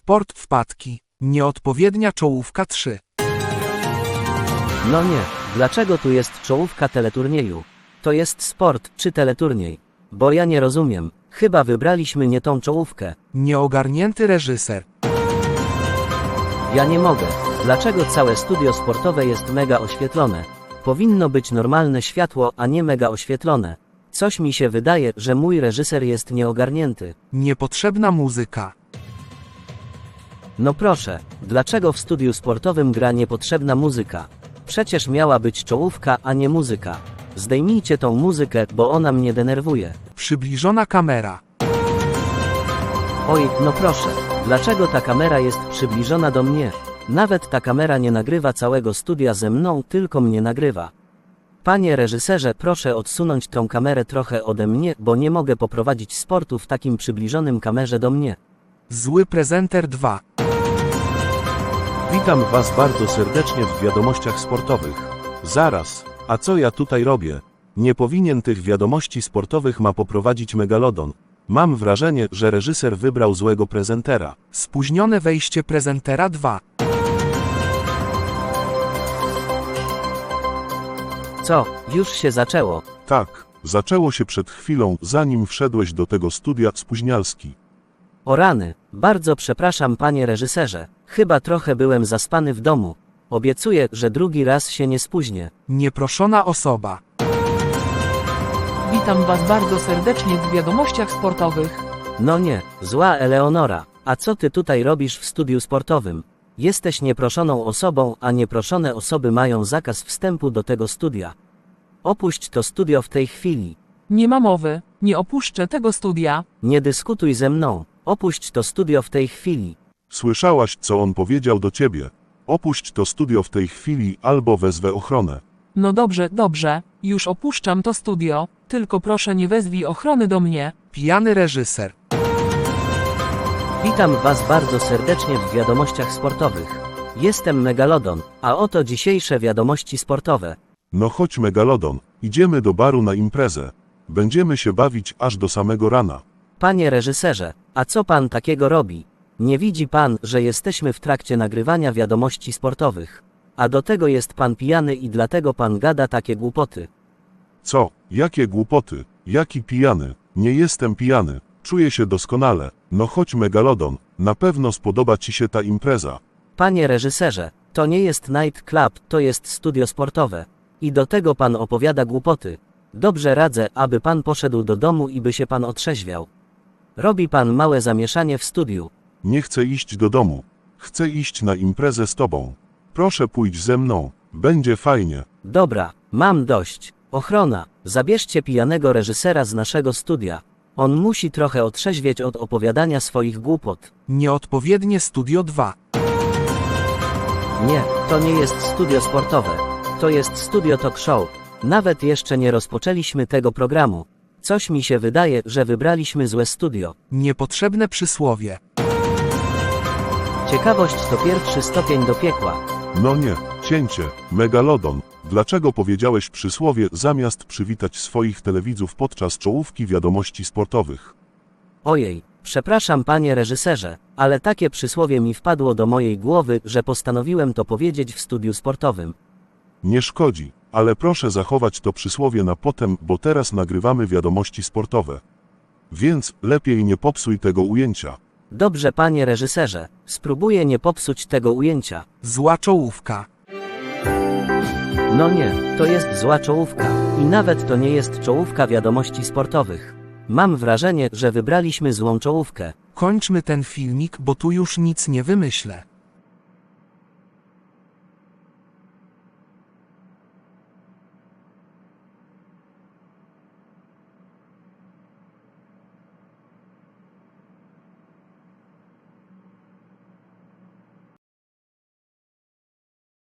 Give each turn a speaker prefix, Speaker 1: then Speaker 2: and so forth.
Speaker 1: Sport wpadki. Nieodpowiednia czołówka 3.
Speaker 2: No nie, dlaczego tu jest czołówka teleturnieju? To jest sport czy teleturniej? Bo ja nie rozumiem, chyba wybraliśmy nie tą czołówkę.
Speaker 1: Nieogarnięty reżyser.
Speaker 2: Ja nie mogę. Dlaczego całe studio sportowe jest mega oświetlone? Powinno być normalne światło, a nie mega oświetlone. Coś mi się wydaje, że mój reżyser jest nieogarnięty.
Speaker 1: Niepotrzebna muzyka.
Speaker 2: No proszę, dlaczego w studiu sportowym gra niepotrzebna muzyka? Przecież miała być czołówka, a nie muzyka. Zdejmijcie tą muzykę, bo ona mnie denerwuje.
Speaker 1: Przybliżona kamera.
Speaker 2: Oj, no proszę, dlaczego ta kamera jest przybliżona do mnie? Nawet ta kamera nie nagrywa całego studia ze mną, tylko mnie nagrywa. Panie reżyserze, proszę odsunąć tą kamerę trochę ode mnie, bo nie mogę poprowadzić sportu w takim przybliżonym kamerze do mnie.
Speaker 1: Zły prezenter 2.
Speaker 3: Witam Was bardzo serdecznie w wiadomościach sportowych. Zaraz, a co ja tutaj robię? Nie powinien tych wiadomości sportowych ma poprowadzić Megalodon. Mam wrażenie, że reżyser wybrał złego prezentera.
Speaker 1: Spóźnione wejście prezentera 2.
Speaker 2: Co, już się zaczęło?
Speaker 3: Tak, zaczęło się przed chwilą, zanim wszedłeś do tego studia, spóźnialski.
Speaker 2: O rany, bardzo przepraszam panie reżyserze, chyba trochę byłem zaspany w domu. Obiecuję, że drugi raz się nie spóźnię.
Speaker 1: Nieproszona osoba.
Speaker 4: Witam Was bardzo serdecznie w wiadomościach sportowych.
Speaker 2: No nie, zła Eleonora, a co ty tutaj robisz w studiu sportowym? Jesteś nieproszoną osobą, a nieproszone osoby mają zakaz wstępu do tego studia. Opuść to studio w tej chwili.
Speaker 4: Nie ma mowy, nie opuszczę tego studia.
Speaker 2: Nie dyskutuj ze mną, opuść to studio w tej chwili.
Speaker 3: Słyszałaś, co on powiedział do ciebie? Opuść to studio w tej chwili, albo wezwę ochronę.
Speaker 4: No dobrze, dobrze, już opuszczam to studio, tylko proszę nie wezwij ochrony do mnie.
Speaker 1: Pijany reżyser.
Speaker 2: Witam Was bardzo serdecznie w wiadomościach sportowych. Jestem Megalodon, a oto dzisiejsze wiadomości sportowe.
Speaker 3: No chodź Megalodon, idziemy do baru na imprezę. Będziemy się bawić aż do samego rana.
Speaker 2: Panie reżyserze, a co pan takiego robi? Nie widzi pan, że jesteśmy w trakcie nagrywania wiadomości sportowych? A do tego jest pan pijany i dlatego pan gada takie głupoty.
Speaker 3: Co? Jakie głupoty? Jaki pijany? Nie jestem pijany. Czuję się doskonale. No chodź Megalodon, na pewno spodoba Ci się ta impreza.
Speaker 2: Panie reżyserze, to nie jest night club, to jest studio sportowe. I do tego pan opowiada głupoty. Dobrze radzę, aby pan poszedł do domu i by się pan otrzeźwiał. Robi pan małe zamieszanie w studiu.
Speaker 3: Nie chcę iść do domu. Chcę iść na imprezę z Tobą. Proszę pójdź ze mną. Będzie fajnie.
Speaker 2: Dobra, mam dość. Ochrona, zabierzcie pijanego reżysera z naszego studia. On musi trochę otrzeźwieć od opowiadania swoich głupot.
Speaker 1: Nieodpowiednie studio 2.
Speaker 2: Nie, to nie jest studio sportowe. To jest studio talk show. Nawet jeszcze nie rozpoczęliśmy tego programu. Coś mi się wydaje, że wybraliśmy złe studio.
Speaker 1: Niepotrzebne przysłowie.
Speaker 2: Ciekawość to pierwszy stopień do piekła.
Speaker 3: No nie, cięcie. Megalodon, dlaczego powiedziałeś przysłowie zamiast przywitać swoich telewidzów podczas czołówki wiadomości sportowych?
Speaker 2: Ojej, przepraszam panie reżyserze, ale takie przysłowie mi wpadło do mojej głowy, że postanowiłem to powiedzieć w studiu sportowym.
Speaker 3: Nie szkodzi, ale proszę zachować to przysłowie na potem, bo teraz nagrywamy wiadomości sportowe. Więc lepiej nie popsuj tego ujęcia.
Speaker 2: Dobrze panie reżyserze, spróbuję nie popsuć tego ujęcia.
Speaker 1: Zła czołówka.
Speaker 2: No nie, to jest zła czołówka. I nawet to nie jest czołówka wiadomości sportowych. Mam wrażenie, że wybraliśmy złą czołówkę.
Speaker 1: Kończmy ten filmik, bo tu już nic nie wymyślę.